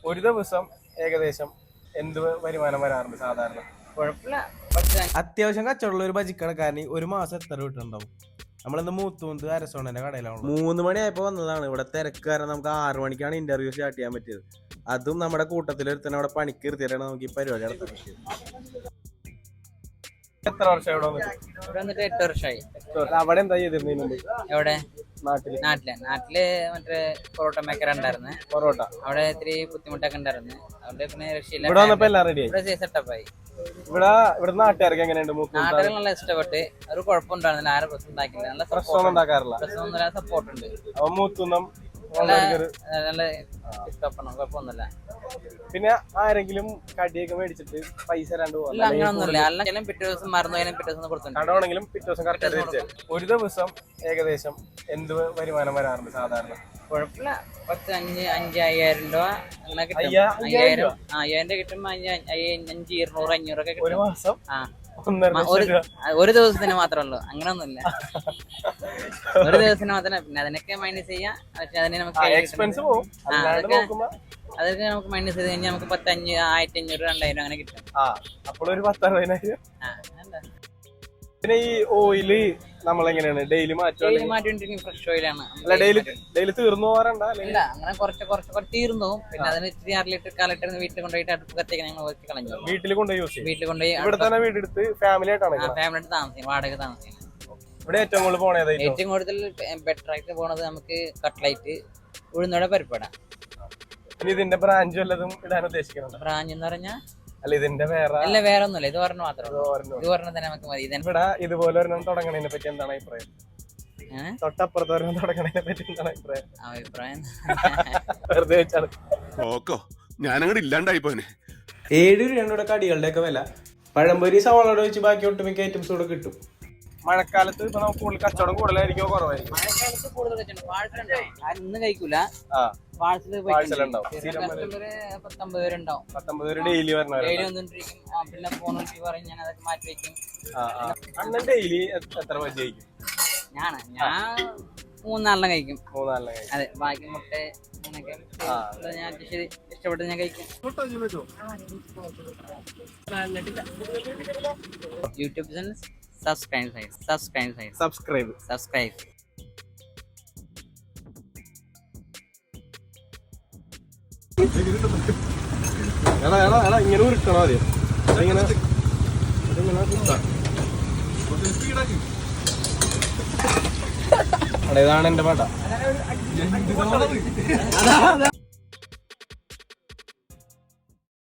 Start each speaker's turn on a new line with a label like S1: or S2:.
S1: ഒരു ദിവസം ഏകദേശം എന്ത് വരുമാനം വരാറുണ്ട് സാധാരണ?
S2: കുഴപ്പമില്ല.
S1: അത്യാവശ്യം കച്ചവടമുള്ള ഒരു ബജിക്കടക്കാരന് ഒരു മാസം എത്ര കിട്ടുന്നുണ്ടാവും? നമ്മളിന്ന് മൂത്തുമുന്ത് അരസോണന്റെ കടയിലാണ്. 3 മണിയായപ്പോ വന്നതാണ്. ഇവിടെ തിരക്ക് കാരണം നമുക്ക് 6 മണിക്കാണ് ഇന്റർവ്യൂ സ്റ്റാർട്ട് ചെയ്യാൻ പറ്റിയത്. അതും നമ്മുടെ കൂട്ടത്തിലൊരുത്തന്നെ അവിടെ പണിക്ക് ഇരുത്തിയിട്ടാണ് നമുക്ക് ഈ പരിപാടി നടത്താൻ പറ്റിയത്. എത്ര വർഷം ഇവിടെ
S2: വന്നിട്ട് 8 വർഷമായി.
S1: അവിടെ എന്താ ചെയ്തിരുന്നു?
S2: എവിടെ?
S1: നാട്ടില്
S2: മറ്റേ പൊറോട്ട മേക്കർ ഉണ്ടായിരുന്നു.
S1: പൊറോട്ട
S2: അവിടെ ഇത്തിരി ബുദ്ധിമുട്ടൊക്കെ ഉണ്ടായിരുന്നു. അവിടെ പിന്നെ രക്ഷയില്ല.
S1: ഇവിടെ വന്നപ്പോ എല്ലാം റെഡി ആയി.
S2: ഇവിടെ സെറ്റപ്പായി.
S1: ഇവിടെ നാട്ടുകാർക്ക് എങ്ങനെയുണ്ട്?
S2: നാട്ടുകാർ നല്ല ഇഷ്ടപ്പെട്ട്. ഒരു കുഴപ്പമുണ്ടായിരുന്നില്ല. ആരും പ്രശ്നം ഉണ്ടാക്കില്ല. നല്ല
S1: പ്രശ്നം ഉണ്ടാക്കാറില്ല.
S2: പ്രശ്നമൊന്നുമില്ല. സപ്പോർട്ട് ഉണ്ട്.
S1: അപ്പൊ മൂത്തുന്നം
S2: നല്ല ഇഷ്ടപ്പെടണം. കുഴപ്പമൊന്നുമില്ല.
S1: പിന്നെ ആരെങ്കിലും കടിയൊക്കെ മേടിച്ചിട്ട് പൈസ
S2: അങ്ങനൊന്നുമില്ല. അല്ലെങ്കിൽ പിറ്റേ ദിവസം മറന്നു പിറ്റേ ദിവസം കൊടുത്തു.
S1: കടമാണെങ്കിലും പിറ്റേ ദിവസം കറക്റ്റ്. ഒരു ദിവസം ഏകദേശം എന്ത് വരുമാനം വരാറുണ്ട് സാധാരണ?
S2: കുഴപ്പമില്ല. 5,000 രൂപ അങ്ങനെ കിട്ടും. 5,000 രൂപ കിട്ടുമ്പോ 500, 200, 500 ഒക്കെ
S1: ഒരു മാസം.
S2: ഒരു ദിവസത്തിന് മാത്രമല്ലോ. അങ്ങനൊന്നുമില്ല. ഒരു ദിവസത്തിന് മാത്രമേ. പിന്നെ അതിനൊക്കെ മൈനസ് ചെയ്യാം. പക്ഷെ അതിന് നമുക്ക് അതൊക്കെ നമുക്ക് മൈനസ് ചെയ്ത് കഴിഞ്ഞാൽ നമുക്ക് 1,500, 2,000 അങ്ങനെ കിട്ടും.
S1: അപ്പോൾ ഒരു 10,000. പിന്നെ ഈ ഓയില് നമ്മളെങ്ങനെയാണ് ഡെയിലി
S2: മാറ്റിക്കൊണ്ടിരിക്കും? ഫ്രഷ് ഓയിലാണ്.
S1: ഡെയിലി തീർന്നു പോകാറുണ്ട്?
S2: ഇല്ല, അങ്ങനെ കുറച്ച് തീർന്നു. പിന്നെ അതിന് ഇത്തിരി 1/2 ലിറ്റർ 1/4 ലിറ്റർ വീട്ടിൽ കൊണ്ടുപോയിട്ട് അടുപ്പ് കത്തിക്കാൻ ഞങ്ങൾ വെച്ച് കളഞ്ഞു.
S1: വീട്ടിൽ കൊണ്ടുപോയി
S2: ഇവിടെ
S1: തന്നെ വീടെടുത്ത് ഫാമിലി ആയിട്ടാണ്?
S2: ഫാമിലി ആയിട്ട് താമസിക്കും. വാടക താമസിക്കും.
S1: ഇവിടെ ഏറ്റവും കൂടുതൽ പോണത്?
S2: ഏറ്റവും കൂടുതൽ ബെറ്റർ ആയിട്ട് പോണത് നമുക്ക് കട്ട്ലൈറ്റ്, ഉഴുന്നോടെ പരിപ്പട.
S1: ഇതിന്റെ ബ്രാഞ്ച് വല്ലതും ഇടാൻ ഉദ്ദേശിക്കുന്നുണ്ട്?
S2: ബ്രാഞ്ച് എന്ന് പറഞ്ഞാൽ
S1: അല്ല, ഇതിന്റെ വേറെ
S2: ഒന്നുമില്ല. ഇത് പറഞ്ഞ മാത്രം. ഇത് പറഞ്ഞ തന്നെ നമുക്ക് മതി.
S1: ഇവിടെ ഇതുപോലെ ഒരെണ്ണം തുടങ്ങണതിനെ പറ്റി എന്താണ് അഭിപ്രായം? തൊട്ടപ്പുറത്ത് ഒരെണ്ണം തുടങ്ങണതിനെ പറ്റി എന്താണ്
S2: അഭിപ്രായം?
S1: വെറുതെ വെച്ചാണ്.
S3: ഞാനങ്ങോട്ട് ഇല്ലാണ്ടായി പോനെ.
S1: 7 രൂപയുടെ കടികളുടെ ഒക്കെ വില. പഴംപൊരി സവാളോട് വെച്ച് ബാക്കി ഒട്ടുമിക്ക ഐറ്റംസ് കൂടെ കിട്ടും. മഴക്കാലത്ത് ഇപ്പൊ നമുക്ക് കൂടുതൽ കച്ചവടം കൂടുതലായിരിക്കും കൂടുതലായിരിക്കും?
S2: മഴക്കാലത്ത് കൂടുതൽ ഇന്ന് കഴിക്കൂല.
S1: പാഴ്സൽ ഉണ്ടാവും.
S2: 19 പേരുണ്ടാവും.
S1: 19 പേര് ഡെയിലി
S2: ഡെയിലി വന്നോണ്ടിരിക്കും. പിന്നെ ഫോൺ വിളിച്ച് പറയും. ഞാൻ അതൊക്കെ മാറ്റി വെക്കും.
S1: അണ്ണൻ ഡെയിലി എത്ര ബജി കഴിക്കും?
S2: ഞാൻ 3-4 കഴിക്കും.
S1: 3-4 കഴിക്കും.
S2: അതെ, ബാക്കി മുട്ട അങ്ങനെയൊക്കെ ഞാൻ ഇഷ്ടപ്പെട്ട് ഞാൻ കഴിക്കും. YouTube channel subscribe.
S1: ഇങ്ങനെ ഉരുട്ടണോ ആദ്യം? ഇതാണ് എന്റെ പാട്ട.